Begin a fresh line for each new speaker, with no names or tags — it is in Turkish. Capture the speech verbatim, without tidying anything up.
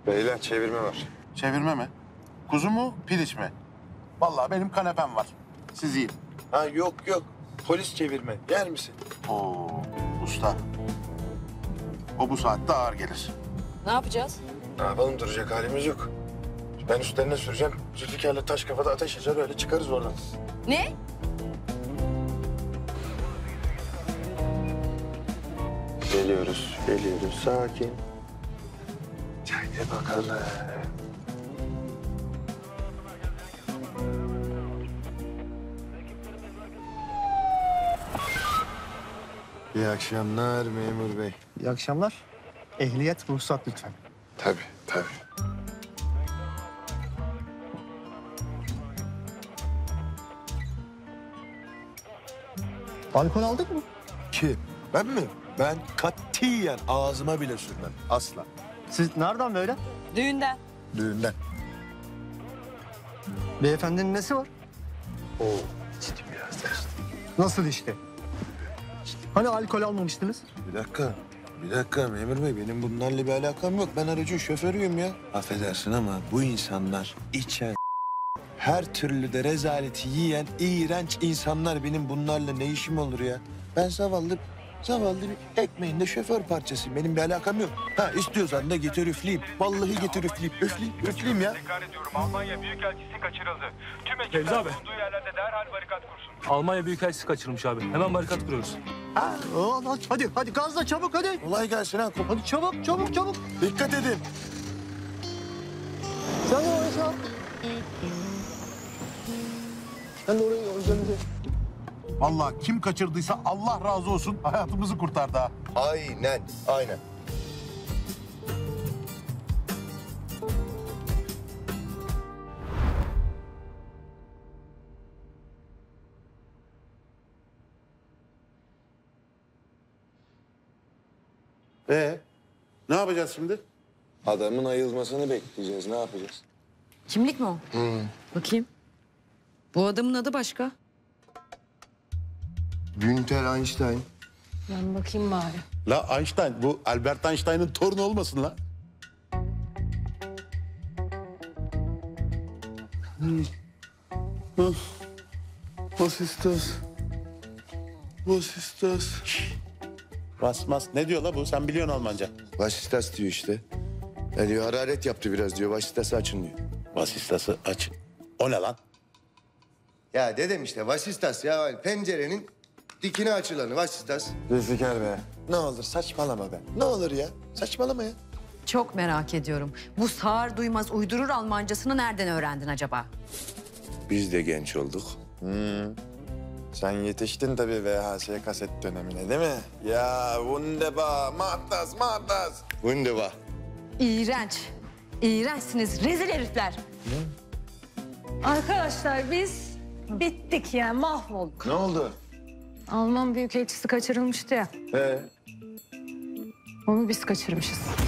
Beyler çevirme var.
Çevirme mi? Kuzu mu, piliç mi? Vallahi benim kanepem var. Siz yiyin.
Ha yok yok. Polis çevirme. Yer misin?
Oo, usta. O bu saatte ağır gelir.
Ne yapacağız?
Ne yapalım, duracak halimiz yok. Ben üstlerine süreceğim. Zülfikar'la taş kafada ateş açar, öyle çıkarız oradan.
Ne?
Geliyoruz, geliyoruz. Sakin. Haydi bakalım. İyi akşamlar memur bey.
İyi akşamlar. Ehliyet, ruhsat lütfen.
Tabii, tabii.
Alkol aldık mı?
Kim? Ben mi? Ben katiyen ağzıma bile sürmem. Asla.
Siz nereden böyle?
Düğünden.
Düğünden.
Beyefendinin nesi var?
Oo, ciddi biraz da işte.
Nasıl işte? Hani alkol almamıştınız?
Bir dakika. Bir dakika memur bey, benim bunlarla bir alakam yok. Ben aracın şoförüyüm ya. Affedersin ama bu insanlar içen, her türlü de rezaleti yiyen iğrenç insanlar. Benim bunlarla ne işim olur ya? Ben zavallı, zavallı bir ekmeğin de şoför parçasıyım. Benim bir alakam yok. Ha istiyorsan da getir üfleyeyim. Vallahi getir üfleyeyim. Üfleyeyim, üfleyeyim ya.
Tekrar ediyorum, Almanya Büyükelçisi kaçırıldı. Tüm
Fevzi
ekipler
abi.
bulunduğu yerlerde derhal barikat kursun.
Almanya Büyükelçisi kaçırılmış abi. Hemen barikat kuruyoruz.
Ha, o, hadi, hadi gazla çabuk hadi.
Kolay gelsin ha.
Hadi çabuk, çabuk, çabuk.
Dikkat edin.
Sen de oraya çabuk. Sen de orayı organize.
Vallahi kim kaçırdıysa Allah razı olsun, hayatımızı kurtardı ha.
Aynen, aynen.
Ee, ne yapacağız şimdi?
Adamın ayılmasını bekleyeceğiz. Ne yapacağız?
Kimlik mi o? Bakayım. Bu adamın adı başka.
Günter Einstein.
Ben bakayım bari.
La Einstein, bu Albert Einstein'ın torunu olmasın la?
Was ist das? Was ist das?
Mas mas, ne diyor la bu? Sen biliyorsun Almanca.
Vasistas diyor işte. Ya diyor hararet yaptı biraz diyor. Vasistası açın diyor.
Vasistası aç. O ne lan?
Ya dedem işte vasistas ya hani pencerenin dikine açılanı vasistas.
Zülfikar be. Ne olur saçmalama be. Ne olur ya. Saçmalama ya.
Çok merak ediyorum. Bu sağır duymaz uydurur Almancasını nereden öğrendin acaba?
Biz de genç olduk. Hmm. Sen yetiştin tabii V H S kaset dönemine değil mi? Ya wunderbar, mahtas, mahtas.
Wunderbar.
İğrenç. İğrençsiniz. Rezil herifler.
Arkadaşlar biz bittik yani mahvolduk.
Ne oldu?
Alman büyükelçisi kaçırılmıştı ya.
Ee?
Onu biz kaçırmışız.